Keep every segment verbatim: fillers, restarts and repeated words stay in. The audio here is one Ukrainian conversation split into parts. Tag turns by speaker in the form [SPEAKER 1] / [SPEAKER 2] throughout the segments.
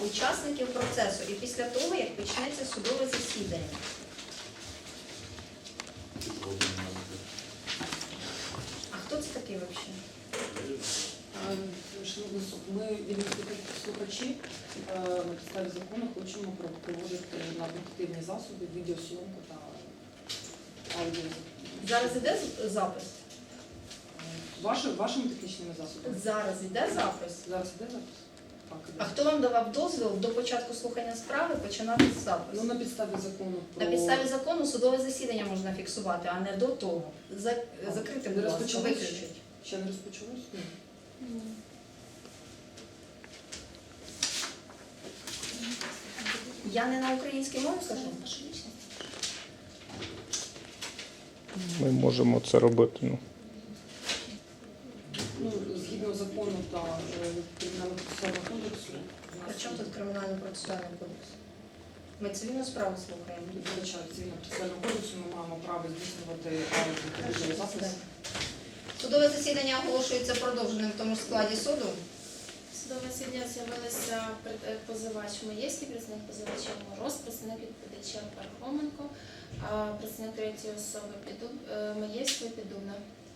[SPEAKER 1] учасників процесу і після того, як почнеться судове засідання. А хто це такий взагалі?
[SPEAKER 2] Шановний суд, ми від слухачі на підставі закону хочемо проводити на об'єктивні засоби відеосйомку та аудіо.
[SPEAKER 1] Зараз іде запис?
[SPEAKER 2] Ваши, вашими технічними засобами?
[SPEAKER 1] Зараз іде запис?
[SPEAKER 2] Зараз іде запис? Так, іде.
[SPEAKER 1] А хто вам давав дозвіл до початку слухання справи починати з запису?
[SPEAKER 2] Ну, на підставі закону про...
[SPEAKER 1] На підставі закону судове засідання можна фіксувати, а не до того. За... Закрити, будь ласка,
[SPEAKER 2] Розпочалось?
[SPEAKER 1] виключить.
[SPEAKER 2] Ще не розпочалось? Ні.
[SPEAKER 1] Я не на українській мові кажу?
[SPEAKER 3] Ми можемо це робити. Ну.
[SPEAKER 2] Ну, згідно закону та е, Кримінально-процесуального кодексу, у нас
[SPEAKER 1] При чому тут кримінально-процесуальний кодекс? Ми цивільну справу слухаємо.
[SPEAKER 2] відзначає Цивільно-процесуального кодексу, ми маємо право здійснювати аудіо та відеозапис.
[SPEAKER 1] Судове засідання оголошується продовженим в тому ж складі суду.
[SPEAKER 4] Судове засідання з'явилися пред- позивач Маєвський, представник позивача Мороз, представник відповідача Пархоменко, а представник третьої особи Підуб, е, Маєвської Підубна.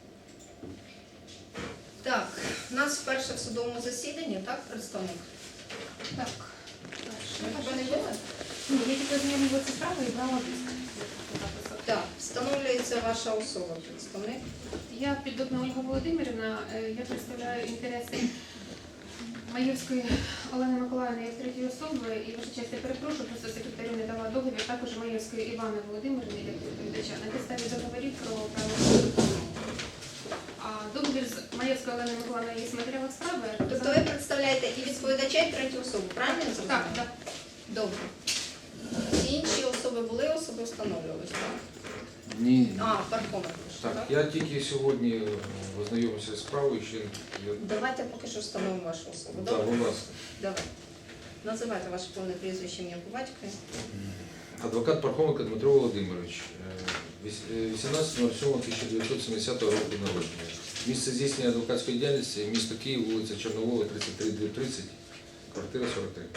[SPEAKER 1] Так, у нас вперше в судовому засіданні, так, представник?
[SPEAKER 4] Так.
[SPEAKER 1] Ви тебе не були?
[SPEAKER 4] Ні, я тільки знайомилася справою і брала диск.
[SPEAKER 1] Так, встановлюється ваша особа, представник.
[SPEAKER 4] Я Підубна Ольга Володимирівна, е, я представляю інтереси Маєвської Олени Миколаївни як третьої особи, і ваша честь, я перепрошую, просто секретарю не дала договір, також Маєвської Івани Володимирівни як відповідача на підставі договорів про право суду. А договір з Маєвською Оленою Миколаївною є в матеріалах справи.
[SPEAKER 1] Тобто ви представляєте і відповідача, і третю особу, правильно я зрозуміла?
[SPEAKER 4] Так, так.
[SPEAKER 1] Добре. Всі інші особи були, особи встановлювалися, так?
[SPEAKER 5] Ні.
[SPEAKER 1] А, Пархоменко, так?
[SPEAKER 5] Так, я тільки сьогодні ознайомився з справою, ще я...
[SPEAKER 1] Давайте поки що встановимо вашу особу.
[SPEAKER 5] Так,
[SPEAKER 1] Добре?
[SPEAKER 5] будь ласка.
[SPEAKER 1] Давай. Називайте ваше повне прізвище, ім'я по батькові.
[SPEAKER 5] Адвокат Пархоменко Дмитро Володимирович, вісімнадцятого сьомого тисяча дев'ятсот сімдесятого року народження. Місце здійснення адвокатської діяльності, місто Київ, вулиця Чорновола, тридцять три тридцять, квартира сорок три.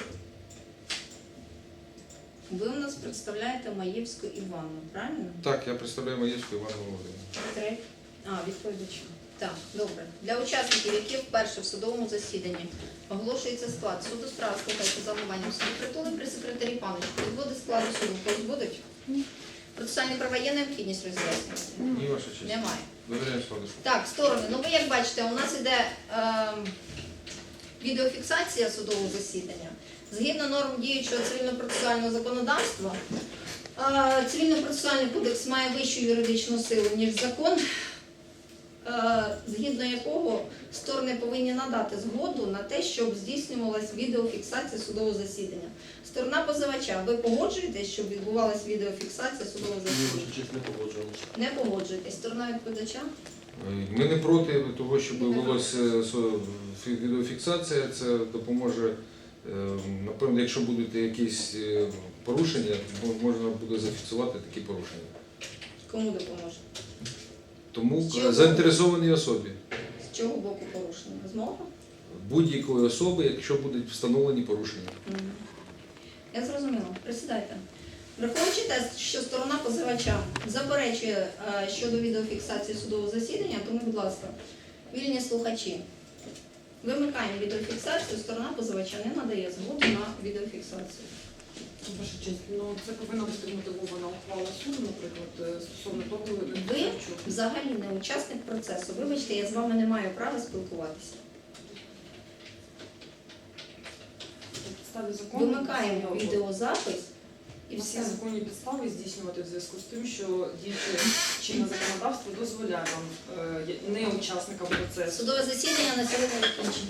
[SPEAKER 1] Ви у нас представляєте Маєвську Іванну, правильно?
[SPEAKER 5] Так, я представляю Маєвську Івану Володимировичу.
[SPEAKER 1] Три. А, відповідача. Так, добре. Для учасників, які вперше в судовому засіданні оголошується склад суду, справа слухається за головуванням суду притули при секретарі паночку. Відводи складу суду когось будуть?
[SPEAKER 4] Ні.
[SPEAKER 1] Процесуальні права є необхідність роз'яснювати?
[SPEAKER 5] Ні, ваша честь.
[SPEAKER 1] Немає.
[SPEAKER 5] Довіряю складу.
[SPEAKER 1] Так, сторони. Ну ви як бачите, у нас іде е, відеофіксація судового засідання. Згідно норм діючого цивільно-процесуального законодавства, е, цивільно-процесуальний кодекс має вищу юридичну силу, ніж закон, е, згідно якого сторони повинні надати згоду на те, щоб здійснювалась відеофіксація судового засідання. Сторона позивача, ви погоджуєтесь, щоб відбувалася відеофіксація судового засідання?
[SPEAKER 6] Честь, не погоджуємося.
[SPEAKER 1] Не погоджуєтесь. Сторона відповідача?
[SPEAKER 5] Ми не проти того, щоб велася відеофіксація, це допоможе. Напевно, якщо будуть якісь порушення, можна буде зафіксувати такі порушення.
[SPEAKER 1] Кому допоможе?
[SPEAKER 5] Тому
[SPEAKER 1] З чого?
[SPEAKER 5] заінтересованій особі,
[SPEAKER 1] З чого боку порушення? З мого?
[SPEAKER 5] будь-якої особи, якщо будуть встановлені порушення.
[SPEAKER 1] Мгм. Я зрозуміла. Присідайте. Враховуючи те, що сторона позивача заперечує е, щодо відеофіксації судового засідання, тому, будь ласка, вільні слухачі, вимикаємо відеофіксацію, сторона позивача не надає згоду на відеофіксацію.
[SPEAKER 2] Ваша честь, ну це повинна бути мотивована ухвала суду, наприклад, стосовно того,
[SPEAKER 1] Ви взагалі не учасник процесу. Вибачте, я з вами не маю права спілкуватися.
[SPEAKER 2] на підставі закону
[SPEAKER 1] Вимикаємо відеозапис і
[SPEAKER 2] І
[SPEAKER 1] все.
[SPEAKER 2] всі законні підстави здійснювати в зв'язку з тим, що діюче чинне законодавство дозволяє вам е, не учасникам процесу.
[SPEAKER 1] Судове засідання на сьогодні закінчено.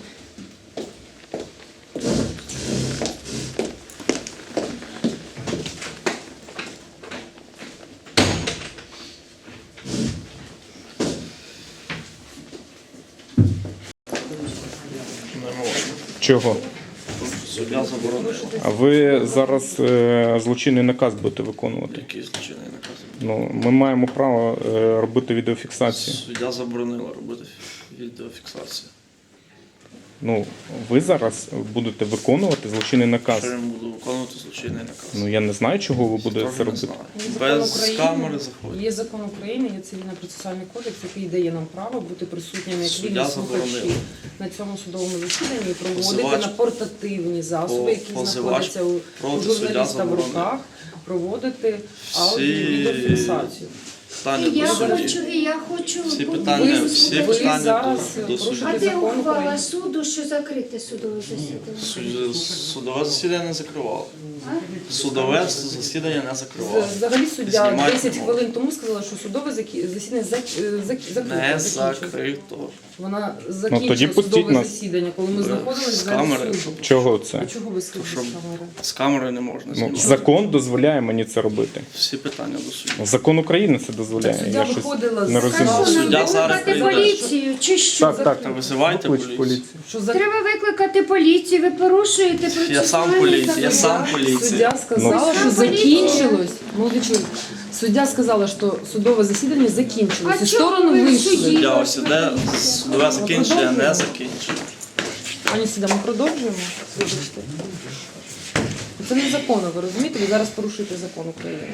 [SPEAKER 3] Чого?
[SPEAKER 6] Суддя заборонила.
[SPEAKER 3] А ви зараз е, злочинний наказ будете виконувати.
[SPEAKER 6] Який злочинний наказ?
[SPEAKER 3] Ну, ми маємо право е, робити відеофіксацію.
[SPEAKER 6] Суддя заборонила робити відеофіксацію.
[SPEAKER 3] Ну, ви зараз будете виконувати злочинний наказ.
[SPEAKER 6] Що я буду виконувати злочинний наказ?
[SPEAKER 3] Ну я не знаю, чого ви будете
[SPEAKER 6] Теж
[SPEAKER 3] це
[SPEAKER 6] не
[SPEAKER 3] робити.
[SPEAKER 6] знаю.
[SPEAKER 2] Є закон
[SPEAKER 6] Без
[SPEAKER 2] України,
[SPEAKER 6] камери заходять.
[SPEAKER 2] Є закон України, є цивільно-процесуальний кодекс, який дає нам право бути присутніми як
[SPEAKER 6] Суддя
[SPEAKER 2] вільні слухачі
[SPEAKER 6] заборонив.
[SPEAKER 2] на цьому судовому засіданні і проводити
[SPEAKER 6] Позивач-
[SPEAKER 2] на портативні засоби,
[SPEAKER 6] По-
[SPEAKER 2] які
[SPEAKER 6] позивач
[SPEAKER 2] знаходяться у, у
[SPEAKER 6] проти, суддя
[SPEAKER 2] журналіста в
[SPEAKER 6] заборонив.
[SPEAKER 2] руках, проводити
[SPEAKER 6] Всі-
[SPEAKER 2] аудіо і відеофіксацію.
[SPEAKER 6] Питання
[SPEAKER 7] І я
[SPEAKER 6] до судді.
[SPEAKER 7] хочу, і я хочу
[SPEAKER 6] Всі
[SPEAKER 7] бути
[SPEAKER 6] питання,
[SPEAKER 2] Ви-
[SPEAKER 6] всі
[SPEAKER 2] ви
[SPEAKER 6] питання
[SPEAKER 2] зараз
[SPEAKER 6] до, до
[SPEAKER 2] порушуєте
[SPEAKER 6] судді.
[SPEAKER 7] А де
[SPEAKER 2] закон
[SPEAKER 7] ухвала
[SPEAKER 2] України.
[SPEAKER 7] суду, що закрите судове засідання?
[SPEAKER 6] Суд- Судове засідання не закривало.
[SPEAKER 7] А?
[SPEAKER 6] Судове засідання не закривало.
[SPEAKER 2] З- Взагалі суддя
[SPEAKER 6] Знімайте
[SPEAKER 2] десять
[SPEAKER 6] мову.
[SPEAKER 2] хвилин тому сказала, що судове закі- засідання зак- е, зак- закрите.
[SPEAKER 6] Не
[SPEAKER 2] закінчилось.
[SPEAKER 6] закрито.
[SPEAKER 2] Вона
[SPEAKER 3] тоді
[SPEAKER 2] закінчила
[SPEAKER 3] пустіть
[SPEAKER 2] судове
[SPEAKER 3] нас.
[SPEAKER 2] засідання, коли ми
[SPEAKER 6] Е,
[SPEAKER 2] знаходилися
[SPEAKER 6] з
[SPEAKER 2] в залі
[SPEAKER 6] камери,
[SPEAKER 2] суду.
[SPEAKER 6] щоб-
[SPEAKER 3] Чого це?
[SPEAKER 2] А чого ви скажете
[SPEAKER 6] Щоб-
[SPEAKER 2] з камери?
[SPEAKER 6] З камери не можна
[SPEAKER 3] Ну,
[SPEAKER 6] знімати.
[SPEAKER 3] закон дозволяє мені це робити.
[SPEAKER 6] Всі питання до судді.
[SPEAKER 3] Закон України це дозволяє.
[SPEAKER 2] Суддя
[SPEAKER 3] Я щось
[SPEAKER 2] виходила
[SPEAKER 3] не
[SPEAKER 2] з
[SPEAKER 3] розумію.
[SPEAKER 7] Кажу,
[SPEAKER 6] Суддя
[SPEAKER 7] треба
[SPEAKER 6] зараз
[SPEAKER 7] викликати
[SPEAKER 6] прийде.
[SPEAKER 7] поліцію, чи що?
[SPEAKER 3] Так, так.
[SPEAKER 6] Та визивайте
[SPEAKER 3] Поклич
[SPEAKER 6] поліцію.
[SPEAKER 3] поліцію.
[SPEAKER 2] Що за
[SPEAKER 7] Треба викликати поліцію, ви порушуєте процесуальний
[SPEAKER 6] Я сам поліція, я
[SPEAKER 7] закон.
[SPEAKER 6] сам поліція.
[SPEAKER 2] суддя сказала,
[SPEAKER 7] Ну,
[SPEAKER 2] що
[SPEAKER 7] сам поліція.
[SPEAKER 2] закінчилось. Молодий чоловік. Суддя сказала, що судове засідання закінчилось.
[SPEAKER 7] А
[SPEAKER 2] І
[SPEAKER 7] чого
[SPEAKER 2] сторону
[SPEAKER 7] ви в
[SPEAKER 2] вийшли.
[SPEAKER 7] суді?
[SPEAKER 6] Суддя ось іде, судове закінчення не закінчено.
[SPEAKER 2] Пані суддя, ми продовжуємо. Вибачте. Це незаконно, ви розумієте? Ви зараз порушуєте закон України.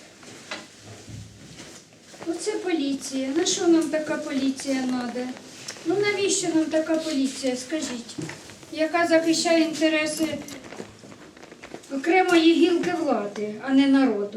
[SPEAKER 7] Оце поліція. На що нам така поліція треба? Ну навіщо нам така поліція, скажіть? Яка захищає інтереси окремої гілки влади, а не народу.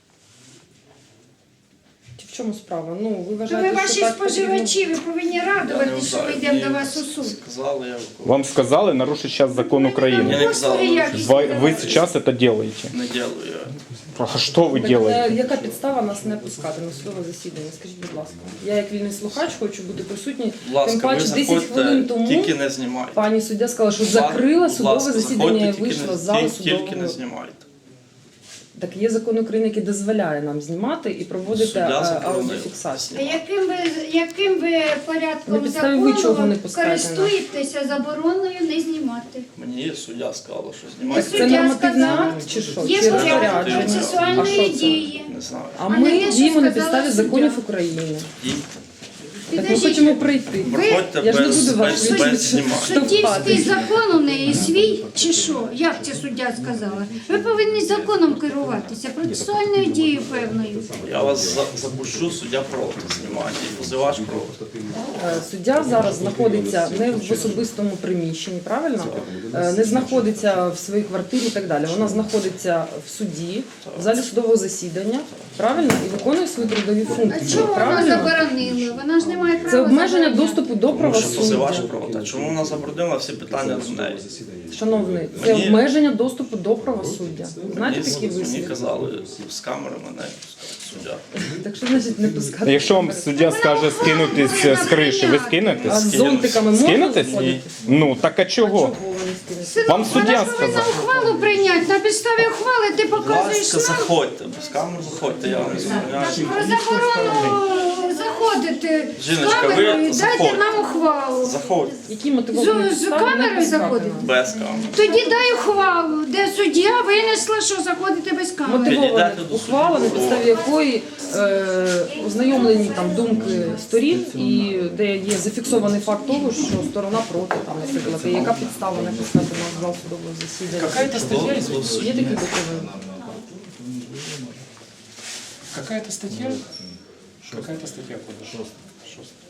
[SPEAKER 2] В чому справа? Ну, ви
[SPEAKER 7] То
[SPEAKER 2] вважаєте,
[SPEAKER 7] ви
[SPEAKER 2] що
[SPEAKER 7] ваші
[SPEAKER 2] так
[SPEAKER 7] споживачі, ви повинні
[SPEAKER 6] Я не
[SPEAKER 7] радуватися, що ми
[SPEAKER 6] вважаю.
[SPEAKER 7] йдемо
[SPEAKER 6] Мені
[SPEAKER 7] до вас у суд.
[SPEAKER 6] Сказали, я виконую.
[SPEAKER 3] Вам сказали нарушить сейчас закон
[SPEAKER 6] Я
[SPEAKER 3] України.
[SPEAKER 6] не казав,
[SPEAKER 7] Послуги
[SPEAKER 6] ну,
[SPEAKER 7] якісні
[SPEAKER 3] Вы, вы
[SPEAKER 7] давати.
[SPEAKER 3] сейчас это делаете.
[SPEAKER 6] Не ділаю я.
[SPEAKER 3] А что вы
[SPEAKER 2] Так,
[SPEAKER 3] делаете?
[SPEAKER 2] е, яка підстава нас не пускати на судове засідання? Скажіть, будь ласка. Я як вільний слухач хочу бути присутній.
[SPEAKER 6] Будь
[SPEAKER 2] Тим
[SPEAKER 6] ласка, ви
[SPEAKER 2] паче десять хвилин
[SPEAKER 6] заходьте,
[SPEAKER 2] тому
[SPEAKER 6] тільки не знімайте.
[SPEAKER 2] пані суддя сказала, що
[SPEAKER 6] Будь ласка,
[SPEAKER 2] закрила
[SPEAKER 6] будь
[SPEAKER 2] судове
[SPEAKER 6] ласка,
[SPEAKER 2] засідання
[SPEAKER 6] заходьте,
[SPEAKER 2] і
[SPEAKER 6] тільки
[SPEAKER 2] вийшла
[SPEAKER 6] не-
[SPEAKER 2] з залу
[SPEAKER 6] тільки- Тільки не
[SPEAKER 2] судового.
[SPEAKER 6] знімайте.
[SPEAKER 2] Так є закон України, який дозволяє нам знімати і проводити
[SPEAKER 6] Суддя
[SPEAKER 2] е,
[SPEAKER 6] заборонив.
[SPEAKER 2] аудіофіксацію.
[SPEAKER 7] А яким ви, яким ви
[SPEAKER 2] На
[SPEAKER 7] порядком
[SPEAKER 2] підставі ви чого
[SPEAKER 7] закону
[SPEAKER 2] не пускаєте нас?
[SPEAKER 7] користуєтеся забороною не знімати?
[SPEAKER 6] Мені суддя сказала, що
[SPEAKER 7] Ви
[SPEAKER 6] знімайте.
[SPEAKER 2] Це
[SPEAKER 7] Суддя
[SPEAKER 2] нормативний
[SPEAKER 7] сказала,
[SPEAKER 2] акт чи що?
[SPEAKER 7] Є
[SPEAKER 2] Чи
[SPEAKER 7] порядок
[SPEAKER 2] розпорядження? А
[SPEAKER 7] процесуальної
[SPEAKER 2] що це?
[SPEAKER 7] дії.
[SPEAKER 6] Не знаю.
[SPEAKER 2] А
[SPEAKER 7] А не
[SPEAKER 2] ми
[SPEAKER 7] те, що
[SPEAKER 2] діємо на
[SPEAKER 7] сказала
[SPEAKER 2] підставі
[SPEAKER 7] суддя.
[SPEAKER 2] законів України.
[SPEAKER 6] Дійте.
[SPEAKER 2] Так ми
[SPEAKER 7] Підождіть,
[SPEAKER 2] хочемо прийти.
[SPEAKER 6] Проходьте
[SPEAKER 2] Я ж не
[SPEAKER 6] без,
[SPEAKER 2] буду вас
[SPEAKER 6] без,
[SPEAKER 2] судити.
[SPEAKER 6] без знімати.
[SPEAKER 7] Суддівський закон у неї свій чи що? Як це суддя сказала? Ви повинні законом керуватися, процесуальною дією певною.
[SPEAKER 6] Я вас за- запущу, суддя проти знімання. І позивач проти.
[SPEAKER 2] Е, Суддя зараз знаходиться не в особистому приміщенні, правильно? Е, Не знаходиться в своїй квартирі і так далі. Вона знаходиться в суді, в залі судового засідання, правильно? І виконує свої трудові
[SPEAKER 7] А
[SPEAKER 2] функції.
[SPEAKER 7] чого вона
[SPEAKER 2] Правильно?
[SPEAKER 7] заборонила? Вона ж не має права
[SPEAKER 2] Це обмеження
[SPEAKER 7] забороняти.
[SPEAKER 2] доступу до
[SPEAKER 6] Тому що позивач
[SPEAKER 2] правосуддя.
[SPEAKER 6] проти. А чому вона заборонила всі питання до неї?
[SPEAKER 2] Шановний, це
[SPEAKER 6] Мені-
[SPEAKER 2] обмеження доступу до правосуддя. Знаєте
[SPEAKER 6] Мені,
[SPEAKER 2] такі
[SPEAKER 6] мені
[SPEAKER 2] вислів?
[SPEAKER 6] казали, з камери мене пускають суддя.
[SPEAKER 2] Так що значить не пускати?
[SPEAKER 3] Якщо вам суддя скаже скинутись з криші, ви
[SPEAKER 2] А
[SPEAKER 3] скинетесь?
[SPEAKER 2] з зонтиками можна
[SPEAKER 3] Скинетесь?
[SPEAKER 2] заходити?
[SPEAKER 3] Ну, так а
[SPEAKER 2] А
[SPEAKER 3] чого?
[SPEAKER 2] чого ви не скинете?
[SPEAKER 7] Синок,
[SPEAKER 3] Вам суддя
[SPEAKER 7] вона повинна
[SPEAKER 3] сказав.
[SPEAKER 7] ухвалу прийняти. На підставі ухвали ти
[SPEAKER 6] Будь
[SPEAKER 7] показуєш
[SPEAKER 6] ласка,
[SPEAKER 7] нам
[SPEAKER 6] заходьте, без камер заходьте, я вам не забороняю.
[SPEAKER 7] про заборону заходити з
[SPEAKER 6] Жіночка, ви
[SPEAKER 7] камерою. Дайте
[SPEAKER 6] заходьте.
[SPEAKER 7] нам ухвалу.
[SPEAKER 6] Заходьте
[SPEAKER 2] Які мотивовані
[SPEAKER 7] З- з
[SPEAKER 2] підстави не
[SPEAKER 7] камерою
[SPEAKER 2] пускати
[SPEAKER 7] заходити?
[SPEAKER 2] нас?
[SPEAKER 6] без камер.
[SPEAKER 7] Тоді дай ухвалу, де суддя винесла, що заходити без камери.
[SPEAKER 2] Мотивована
[SPEAKER 6] Підійдете до
[SPEAKER 2] ухвала, на
[SPEAKER 6] суду.
[SPEAKER 2] підставі якої е, ознайомлені там думки сторін, і де є зафіксований факт того, що сторона проти, там, наприклад, і яка підстава не пускати нас в зал судового засідання.
[SPEAKER 8] Какая-то статья, извините.
[SPEAKER 2] Є такі документи.
[SPEAKER 8] Какая-то статья? Какая-то статья кодекса.